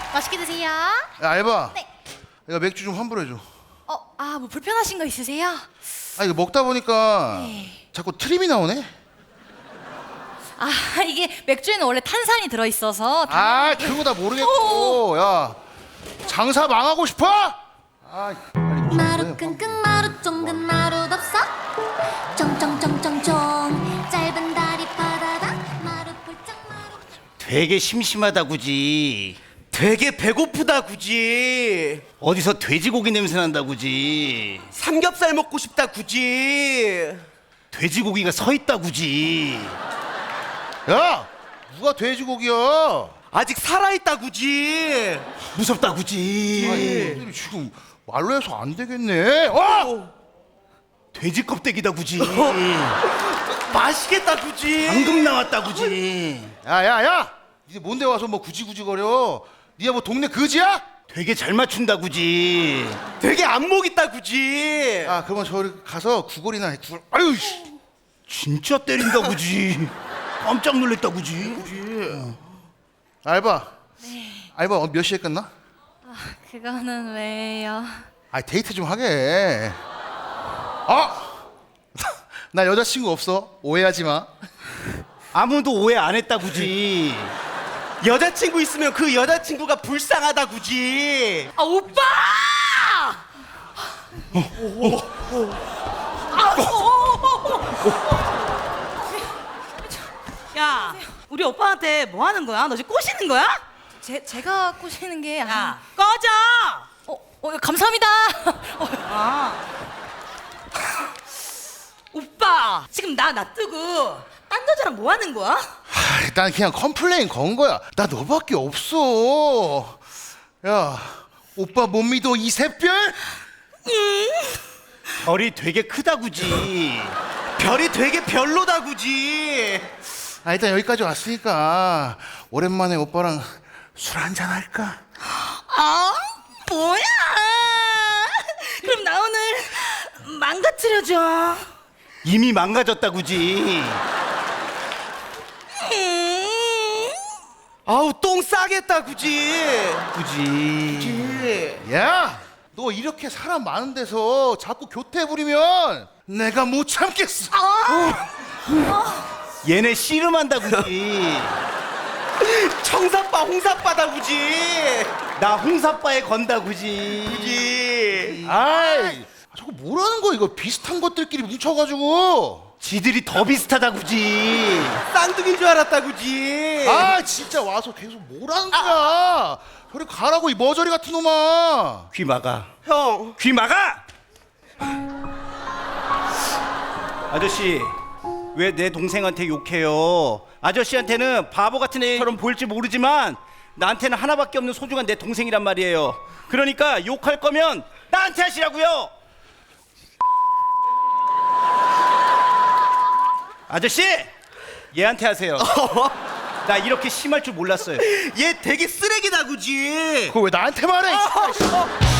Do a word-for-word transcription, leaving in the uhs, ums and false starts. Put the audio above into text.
맛있게 드세요. 야, 알바. 네. 이거 맥주 좀 환불해줘. 어, 아, 뭐 불편하신 거 있으세요? 아, 이거 먹다 보니까 네. 자꾸 트림이 나오네. 아, 이게 맥주에는 원래 탄산이 들어있어서. 아, 그거 다 모르겠고. 야, 장사 망하고 싶어? 아, 빨리 좀 마루 해. 끙끙 마루 쫑근 마루 덥석 쫑쫑쫑쫑쫑 짧은 다리 바다다 마루 폴짝 마루 되게 심심하다 굳이. 되게 배고프다 굳이. 어디서 돼지고기 냄새 난다 굳이. 삼겹살 먹고 싶다 굳이. 돼지고기가 서 있다 굳이. 야, 누가 돼지고기야? 아직 살아있다 굳이. 무섭다 굳이. 아, 이들이 지금 말로 해서 안 되겠네. 어? 돼지 껍데기다 굳이. 맛있겠다 굳이. 방금 나왔다 굳이. 야, 야, 야! 이제 뭔데 와서 뭐 굳이 굳이 거려? 니가 뭐 동네 거지야? 되게 잘 맞춘다 굳이. 되게 안목 있다 굳이. 아, 그러면 저리 가서 구걸이나 해. 구걸. 아유, 씨. 진짜 때린다 굳이. 깜짝 놀랐다 굳이. 알바. 네. 알바 어, 몇 시에 끝나? 아, 그거는 왜요? 아, 데이트 좀 하게. 아, 나 여자친구 없어. 오해하지 마. 아무도 오해 안 했다 굳이. 여자친구 있으면 그 여자친구가 불쌍하다 굳이. 아, 오빠! 야, 우리 오빠한테 뭐 하는 거야? 너 지금 꼬시는 거야? 제, 제가 꼬시는 게 아니... 야, 꺼져! 어, 어, 감사합니다. 어, 아. 오빠, 지금 나 놔두고 딴 여자랑 뭐 하는 거야? 아, 난 그냥 컴플레인 건 거야. 나 너밖에 없어. 야, 오빠 못 믿어 이 샛별? 별이 되게 크다 굳이. 별이 되게 별로다 굳이. 아, 일단 여기까지 왔으니까 오랜만에 오빠랑 술 한잔 할까? 아, 뭐야? 그럼 나 오늘 망가뜨려줘. 이미 망가졌다 굳이. 음. 아우 똥 싸겠다 굳이. 굳이. 야, 너 이렇게 사람 많은 데서 자꾸 교태 부리면 내가 못 참겠어. 얘네 씨름한다 굳이. 청사빠 홍사빠다 굳이. 나 홍사빠에 건다 굳이. 굳이. 아이, 저거 뭐라는 거야? 이거 비슷한 것들끼리 뭉쳐가지고. 지들이 더 비슷하다 굳이. 쌍둥이인 줄 알았다 굳이. 아, 진짜 와서 계속 뭐라는 거야? 저리 가라고 이 머저리 같은 놈아. 귀 막아. 형. 귀 막아! 아저씨, 왜 내 동생한테 욕해요? 아저씨한테는 바보 같은 애처럼 보일지 모르지만 나한테는 하나밖에 없는 소중한 내 동생이란 말이에요. 그러니까 욕할 거면 나한테 하시라고요. 아저씨, 얘한테 하세요. 나 이렇게 심할 줄 몰랐어요. 얘 되게 쓰레기다 굳이. 그거 왜 나한테 말해? 어, 어.